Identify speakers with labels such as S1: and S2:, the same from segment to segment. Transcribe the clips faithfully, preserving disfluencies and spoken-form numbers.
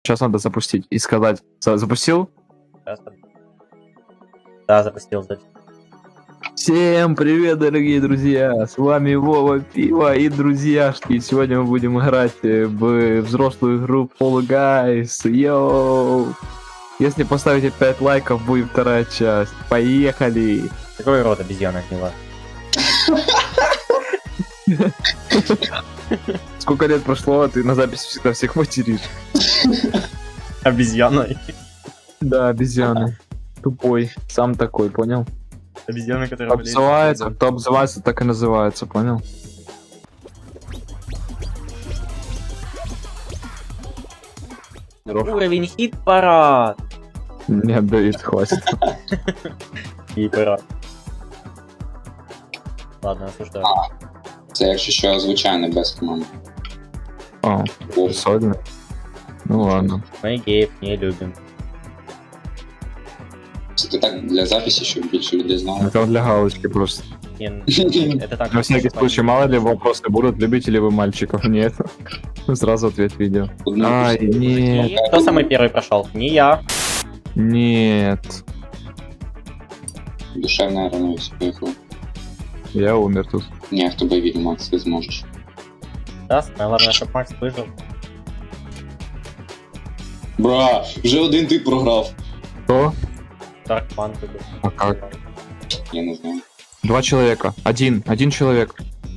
S1: Сейчас надо запустить и сказать. За- Запустил?
S2: Да, запустил запись.
S1: Всем привет, дорогие друзья! С вами Вова Пиво и друзьяшки. Сегодня мы будем играть э, в взрослую игру Fall Guys. Йоу! Если поставите пять лайков, будет вторая часть. Поехали!
S2: Какой рот обезьяна гнила?
S1: Сколько лет прошло, а ты на записи всегда всех материшь.
S2: Обезьяной.
S1: Да, обезьяны. Тупой. Сам такой, понял?
S2: Обезьяна, которая болеет.
S1: Обзывается, кто обзывается, так и называется, понял?
S2: Уровень хит-парад.
S1: Нет, Давид, хватит.
S2: Хит-парад. Ладно, осуждаю.
S3: Це якщо що, звичайно, без команди.
S1: О, сольно. Ну ладно.
S2: Мы геев не любим.
S3: Це ти так для записі, щоб більше людей знало.
S1: Это для галочки просто.
S2: Не, это так.
S1: На всякий случай, мало ли вопросы будут, любите ли вы мальчиков? Нет. Сразу ответ видео.
S3: Одну
S1: Ай, нет,
S2: Кто самый первый прошел? Не я.
S1: нет.
S3: душевна рановість поїхала.
S1: Я умер тут.
S3: Ні, в тебе від Макс, ти зможеш.
S2: Да, самое главное, чтобы Макс выжил.
S3: Бра, вже один ти програв.
S1: Кто?
S2: Дарк Панк выбил.
S1: А как?
S3: Я не знаю.
S1: Два человека. Один. Один человек.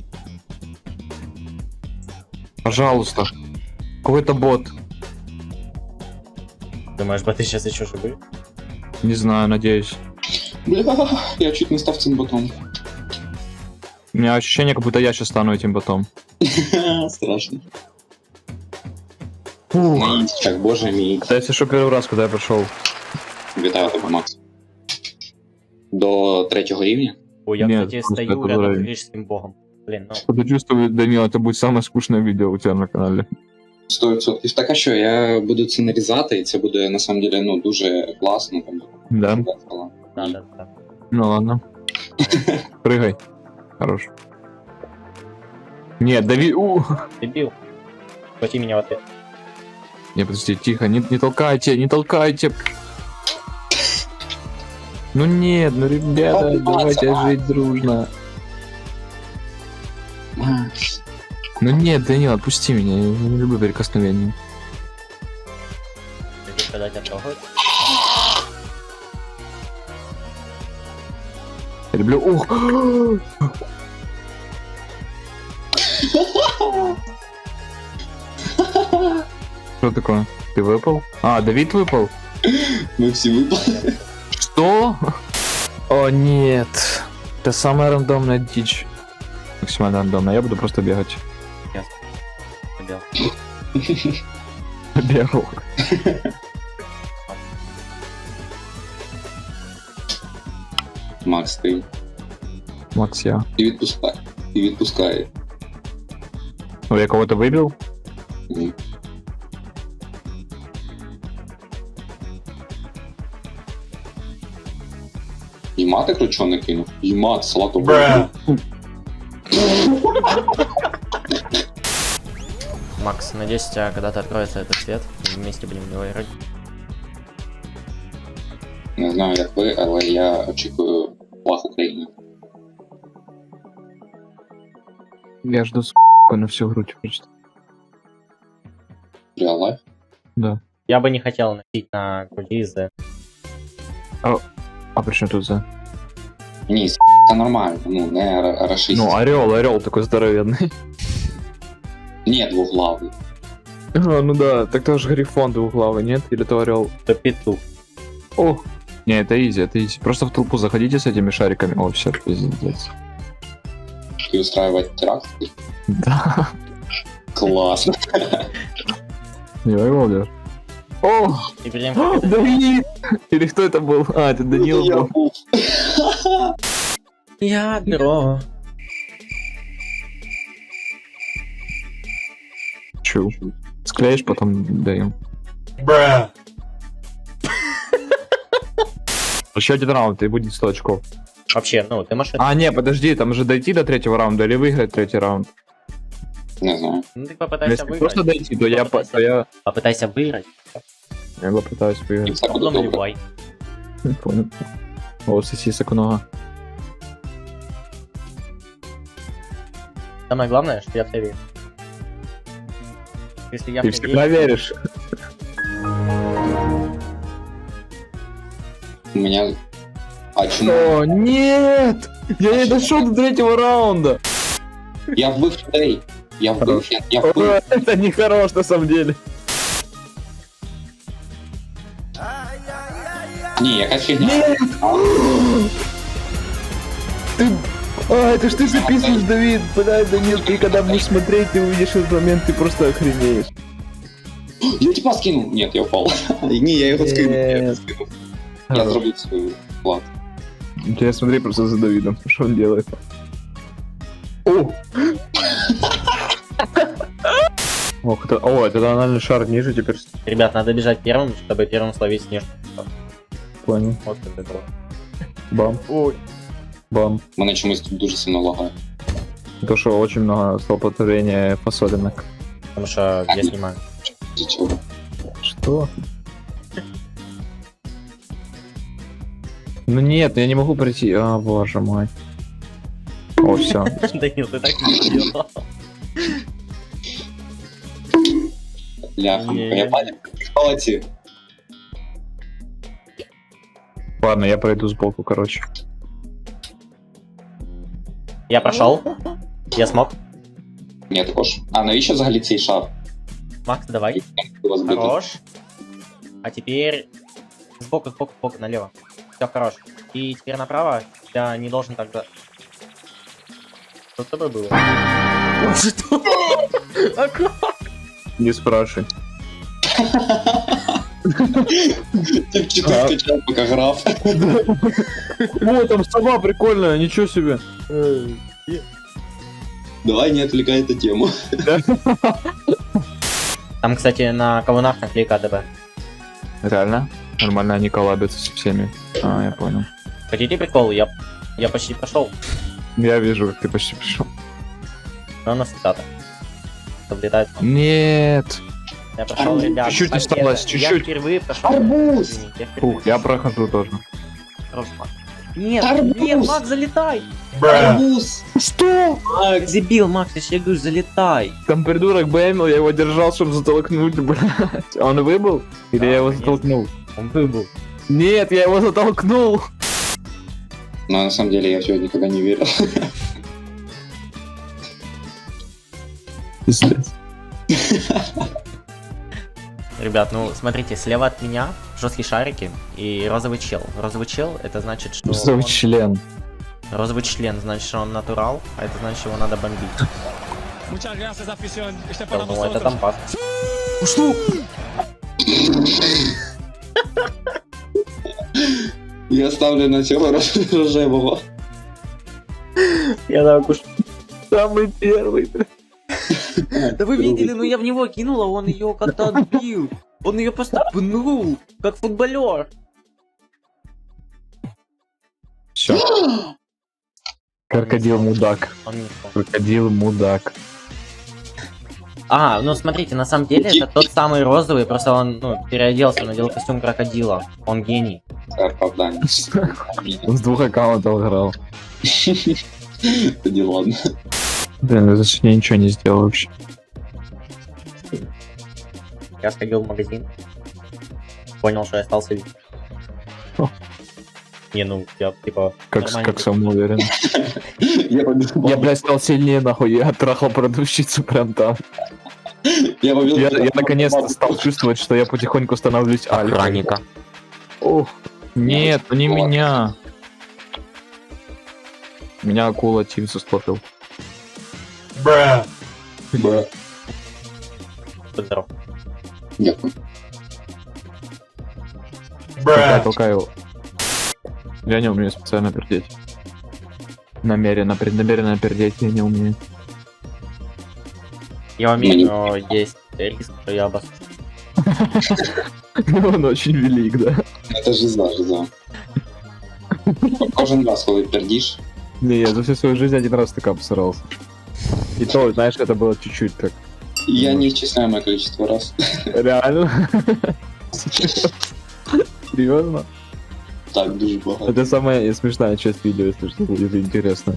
S1: Пожалуйста. Какой-то бот.
S2: Думаешь, боты сейчас еще живы?
S1: Не знаю, надеюсь.
S3: Бля, я чуть не став цим ботом.
S1: У меня ощущение, как будто я сейчас стану этим ботом.
S3: Страшно.
S1: Фух.
S3: Так, боже мій.
S1: Это если что, первый раз, когда я пришел.
S3: Вітаю тебе, Макс. До третього рівня?
S2: Ой, я,
S1: Нет,
S2: кстати,
S1: просто
S2: стою
S1: это
S2: рядом с
S1: уровень.
S2: греческим богом. Блин, ну,
S1: Что-то чувствую, Данил, это будет самое скучное видео у тебя на канале.
S3: сто відсотків. Так, а що, я буду це нарізати, і це буде, на самом деле, ну, дуже класно. Там,
S1: Да?
S3: весело.
S2: да, да, да.
S1: Ну ладно. Прыгай. Хорош. Нет, дави... У!
S2: Дебил. Схвати меня в ответ.
S1: Не, подожди, тихо, не, не толкайте, не толкайте. Ну нет, ну ребята,
S3: Хватит
S1: давайте
S3: драться.
S1: жить дружно.
S3: Макс.
S1: Ну нет, Данил, отпусти меня, я не люблю прикосновения.
S2: Любишь, когда тебя трогают?
S1: Я люблю... Ух! Что такое? Ты выпал? А, Давид выпал?
S3: Ми всі випали.
S1: Что? О нет, это самая рандомная дичь. Максимально рандомная, я буду просто бегать.
S2: Дебил.
S1: Бегал.
S3: Макс, ти.
S1: Макс, я.
S3: І відпускай. І відпускай.
S1: Ну, я кого-то выбил?
S3: Ні. Єма ти кручо не кинув? Єма, салату.
S2: Макс, надеюсь, у тебя когда-то откроется этот свет, и вместе будем в него играть.
S3: Не знаю, як ви, але я очікую флаг України.
S1: Я жду с на всю грудь просто.
S3: Real life?
S1: Да.
S2: Я бы не хотел носить на груди из-за...
S1: А при чем тут за?
S3: Ні, с**, це нормально, ну, не ра- рашист.
S1: Ну, орел, орел такой здоровенный.
S3: Ні, двуглавий.
S1: А, ну да, так тоже грифон двуглавый, нет? Или это орел?
S2: То петух.
S1: О! Не, это изи, это изи. Просто в толпу заходите с этими шариками. О, все, пиздец.
S3: Ти устраивать теракт?
S1: Да.
S3: Класно.
S1: Не вывалишь. О!
S2: И перед тем, как это...
S1: Давид! Или кто это был? А, это Данил
S3: Я
S1: был.
S3: був.
S2: Ядро.
S1: Чу. Склеишь, потом даем.
S2: Бра.
S1: Еще один раунд, и будет сто очков.
S2: Вообще, ну, ты машина.
S1: А, не, подожди, там же дойти до третьего раунда или выиграть третий раунд?
S3: Не знаю.
S2: Ну ты
S1: Ну,
S2: попытайся
S1: Если
S2: выиграть.
S1: просто дойти, то я, по- то я,
S2: Попытайся выиграть.
S1: я попытаюсь
S3: І
S1: выиграть.
S3: все буде
S2: Потом
S3: добре.
S2: наливай.
S1: Не понял. О, сосисок много.
S2: Самое главное, что я в тебя верю. Если я
S1: Ты
S2: в тебя
S1: всегда
S2: верю,
S1: веришь?
S3: У мене... А чому?
S1: О, нет! Я не дошел до третьего раунда!
S3: Я вбив людей. Я вбив,
S1: Хорош.
S3: я, я
S1: О,
S3: вбив.
S1: это не хорош на самом деле.
S3: Ні, якась фігня.
S1: Нет! Ты... А, это ж ты записываешь, Давид! Блядь, да нет, ты когда будешь смотреть, ты увидишь этот момент, ты просто охренеешь.
S3: Я типа скинув. Ні, я впав. Ні, я його скинув. Я його скинув. Я зробив свою вклад.
S1: Я смотри просто за Давидом, что он делает. О! Ох, это... О, это тональный шар ниже теперь.
S2: ребят, надо бежать первым, чтобы первым словить снежку.
S1: Понял.
S2: Вот это было.
S1: Бам.
S2: Ой.
S1: Бам.
S3: Мене чомусь тут дуже сильно лагає.
S1: То, что очень много столпотворения фасолинок.
S2: Потому что я снимаю.
S3: Для чого?
S1: Что? Ну нет, я не могу прийти. А, боже мой. О, все.
S2: Данил, ты так не сделал.
S3: Ляха,
S2: Ні.
S3: я паник. Молодці.
S1: Ладно, я пройду сбоку, короче.
S2: Я прошел. Я смог.
S3: Ні, також. А навіщо взагалі цей шар?
S2: Макс, давай.
S3: Його збити.
S2: Хорош. А теперь сбоку, сбоку, сбоку, налево. Все, хорош. И теперь направо. Я не должен тогда... Что с тобой было? Что? А как?
S1: Не спрашивай.
S3: Тип чотири скачав, поки грав.
S1: О, там сова прикольная, ничего себе.
S3: Давай не отвлекай эту тему.
S2: Там, кстати, на колоннах наклейка АДБ.
S1: Реально? Нормально они коллабятся со всеми. А, я понял.
S2: Хотите прикол? Я, я почти прошел.
S1: Я вижу, как ты почти пришел.
S2: Но у нас цитата. Облетает.
S1: Нет.
S2: Я прошел, ребят.
S1: Чуть-чуть
S2: победа.
S1: осталось,
S2: Я
S1: чуть-чуть.
S2: впервые прошел.
S3: Арбуз!
S2: Извините, я впервые.
S1: Фух, я прохожу тоже.
S2: Хорош, Макс. Нет,
S3: Арбуз!
S2: нет, Макс, залетай!
S3: Арбуз!
S1: Что?
S2: Макс, дебил, Макс, я тебе говорю, залетай!
S1: Там придурок бэмил, я его держал, чтобы затолкнуть, блядь. Он выбыл? Или
S2: Да,
S1: я его
S2: конечно.
S1: затолкнул?
S2: Он выбыл.
S1: Нет, я его затолкнул.
S3: Но на самом деле я в тебя никогда не верил.
S1: Пиздец.
S2: Ребят, ну смотрите, слева от меня жесткие шарики и розовый чел. Розовый чел, это значит, что
S1: Розовый
S2: он-
S1: член.
S2: розовый член, значит, что он натурал, а это значит, его надо бомбить.
S4: Muchas gracias, afición. Este es
S2: Да,
S4: para
S2: ну, это
S4: nosotros.
S2: там пас.
S3: Я ставлю на цього рож- рожевого.
S2: Я так уж.
S1: Самый первый.
S2: Да вы видели, ну я в него кинула, он ее как-то отбил. Он ее просто пнул, как футболер.
S1: Все. Крокодил мудак.
S2: Он не смог.
S1: Крокодил мудак.
S2: А, ну смотрите, на самом деле это тот самый розовый, просто он ну, переоделся, надел костюм крокодила. Он гений.
S3: Це оправдання.
S1: Он с двух аккаунтов играл.
S3: Тоді ладно.
S1: Блин, я за я ничего не сделал вообще.
S2: Я сходил в магазин, понял, что я остался один.
S1: О.
S2: Не, ну я типа
S1: Как,
S2: нормально
S1: как самоуверен.
S3: Я побіг.
S1: Я, блядь, стал сильнее, нахуй. Я трахал продавщицу прям там.
S3: Я побіг.
S1: Я, я наконец-то стал чувствовать, что я потихоньку становлюсь альфой.
S2: охранника.
S1: Ох. Нет, ну не
S3: Ладно.
S1: меня. Меня акула Тимсу схватил.
S3: Бра.
S2: Будь здоров.
S3: Дякую.
S1: Толкай, толкай его. Я не умею специально пердеть. Намеренно, преднамеренно пердеть я не умею.
S2: Я умею, но есть риск, что я обос...
S1: Он очень велик, да?
S3: Це жиза, жиза. Кожен раз, коли пердіш,
S1: Не, я за всю свою жизнь один раз так обсрался. И то, знаешь, это было чуть-чуть так.
S3: Я неисчисляемое количество раз.
S1: Реально? Серьезно?
S3: Так, дуже багато.
S1: Это самая смешная часть видео, если что, будет интересно.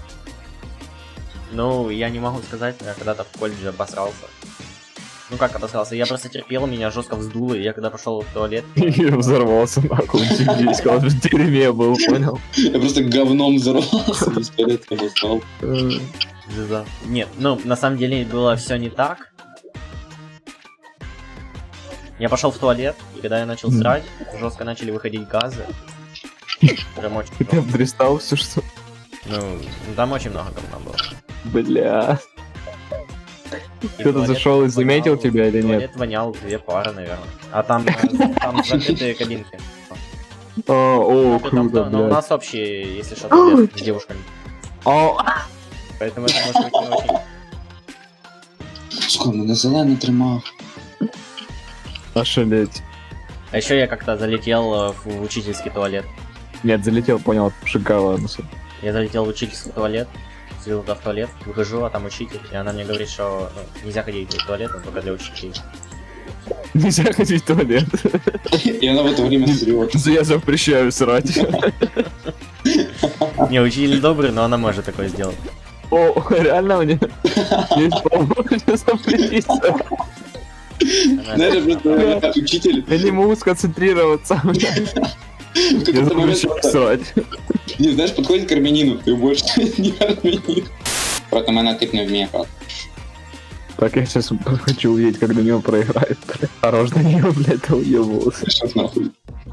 S2: Ну, я не могу сказать, я когда-то в колледже обосрался. Ну как обосрался? Я просто терпел, меня жестко вздуло, и я когда пошел в туалет...
S1: И взорвался нахуй, здесь, сказал, что в дерьме был, понял?
S3: Я просто говном взорвался, без порядка достал.
S2: Жиза. Нет, ну, на самом деле было все не так. Я пошел в туалет, и когда я начал срать, жестко начали выходить газы. Прям очень
S1: Ты
S2: много.
S1: обдристал все, что...
S2: Ну, там очень много говна было.
S1: Бля.
S2: И
S1: Кто-то
S2: туалет
S1: зашел и заметил
S2: вонял,
S1: тебя или нет?
S2: Туалет вонял две пары, наверное. А там, э, там закрытые кабинки.
S1: А, о,
S2: Ну, там,
S1: круто,
S2: но у
S1: блядь.
S2: нас общие, если что, туалет с девушками.
S1: О,
S2: Поэтому это может быть не очень...
S3: Сука, мене зелений тримав.
S1: ошалеть.
S2: А еще я как-то залетел э, в учительский туалет.
S1: Нет, залетел, понял, шикало.
S2: Я залетел в учительский туалет, сидел туда в туалет, выхожу, а там учитель, и она мне говорит, что ну, нельзя ходить в туалет, но только для учителей.
S1: Нельзя ходить в туалет.
S3: И она в это время срет.
S1: Я запрещаю срать.
S2: Не, учитель добрый, но она может такое сделать.
S1: О, реально мне есть полномочия запретиться.
S2: Она-
S3: Знаешь, просто учитель
S1: Я не могу сконцентрироваться.
S3: в
S1: Я
S3: какой-то момент
S1: запрещаю
S3: просто-
S1: срать.
S3: не, знаешь, подходит к армянину, ты больше не армянин. Проти мене тип не вміє грати.
S1: Так, я сейчас хочу увидеть, как до него проиграет. Хорош до него, блядь, это уебался.
S3: Що нахуй?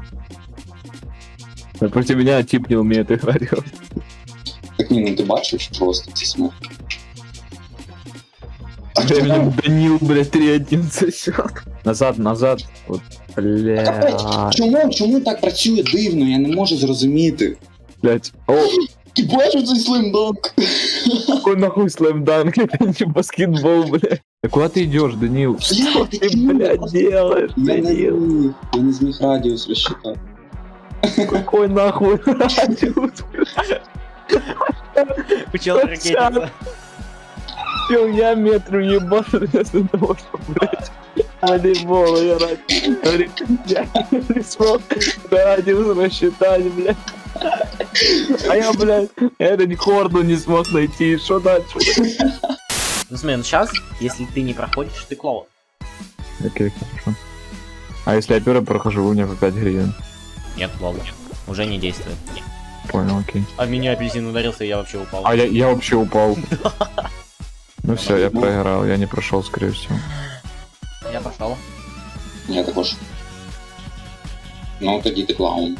S1: Против меня тип не умеет играть.
S3: Так ні, ну ти бачиш просто ці смерть. А хто
S1: Временем
S3: там?
S1: Данил, блядь, три один сосет. Назад, назад. Вот, бля,
S3: Чому, чому так працює дивно? Я не можу зрозуміти.
S1: блядь. О,
S3: Ти бачиш цей слимдонг?
S1: какой нахуй слэм-данк, это не баскетбол, блядь. Да куда ты идешь, Данил? Что
S3: ты
S1: ты,
S3: чё?
S1: блядь, делаешь,
S3: Я не
S1: Данил?
S3: зміг, я не зміг радіус розчитати.
S1: Какой нахуй радиус?
S2: Учил ракетница.
S1: Чё, я метру ебашу вместо того, что, блядь, волейбол играть. Говорит, я не смог радиус рассчитать, блядь. А я, блядь, этот корду не смог найти. Что дальше?
S2: Ну смотри, ну сейчас, если ты не проходишь, ты клоун.
S1: Окей, хорошо. А если я первый прохожу, у меня по пять гривен.
S2: Нет, лол, уже не действует.
S1: Понял, окей.
S2: А в меня апельсин ударился, и я вообще упал.
S1: А я, я вообще упал. Ну все, я проиграл, я не прошел, скорее всего.
S2: Я пошел.
S3: Я також. Ну, тоді ти клаун.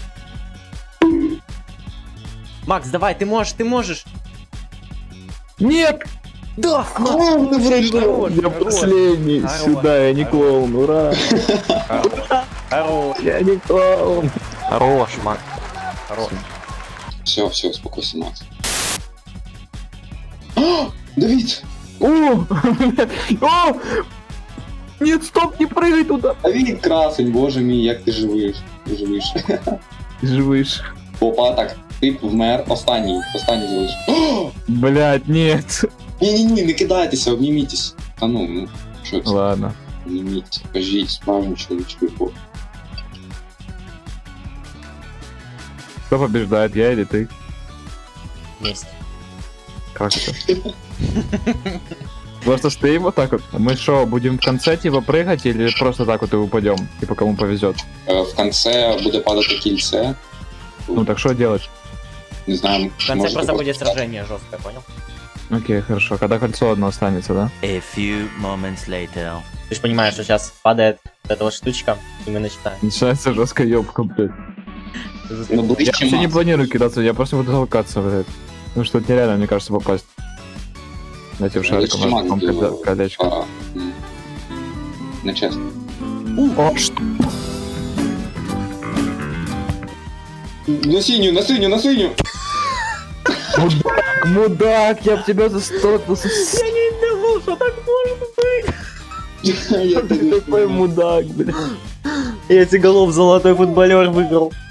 S2: Макс, давай, ты можешь, ты можешь.
S1: Нет!
S2: Да,
S3: Клоун не
S2: Хорош,
S1: Я
S2: хорош.
S1: последний,
S2: Хорош,
S1: сюда, я не
S2: хорош.
S1: клоун, ура!
S2: Хорош,
S1: Я не клоун!
S2: хорош, Макс. Хорош.
S3: Все, все, успокойся, Макс. О, Давид!
S1: О! О! Нет, стоп, не прыгай туда!
S3: Давид красень, боже мій, як ти живиш. Ти живиш.
S1: Живешь.
S3: Опа, так, ти вмер, останній, останній залиш. О!
S1: Блять, нет.
S3: Ні-ні-ні, не кидайтеся, обнімітесь. Та ну, ну, що це?
S1: Ладно.
S3: Обніміть, покажіть справжню чоловічку любов.
S1: Кто побеждает, я или ты?
S2: Есть.
S1: Как это? Просто стоим вот так вот. Мы что, будем в конце типа прыгать или просто так вот и упадем? Типа кому повезет?
S3: Е, В конце буде падати кільце.
S1: Ну так что делать?
S3: Не знаю,
S2: В конце
S3: можете
S2: просто будет
S3: просто-
S2: сражение жесткое, понял?
S1: Окей, хорошо. Когда кольцо одно останется, да?
S5: A few moments later.
S2: Ты же понимаешь, что сейчас падает вот эта вот штучка, и мы начинаем.
S1: Начинается жесткая ёбка, блядь.
S3: Ну,
S1: Я
S3: ближче,
S1: вообще не
S3: Макс.
S1: планирую кидаться, я просто буду толкаться, блядь. Ну что, это нереально, мне кажется, попасть. Дайте в шарик,
S3: Ближче, Макс,
S1: вам
S3: до-
S1: колечко.
S3: Пора. М. Нечесно.
S1: О, что?
S3: На синю, на синю, на синю!
S1: Мудак, мудак, я б тебя застопился.
S2: не думал, что так может быть.
S3: Я
S1: Ты такой мудак, блядь.
S2: Эти голов золотой футболер выиграл.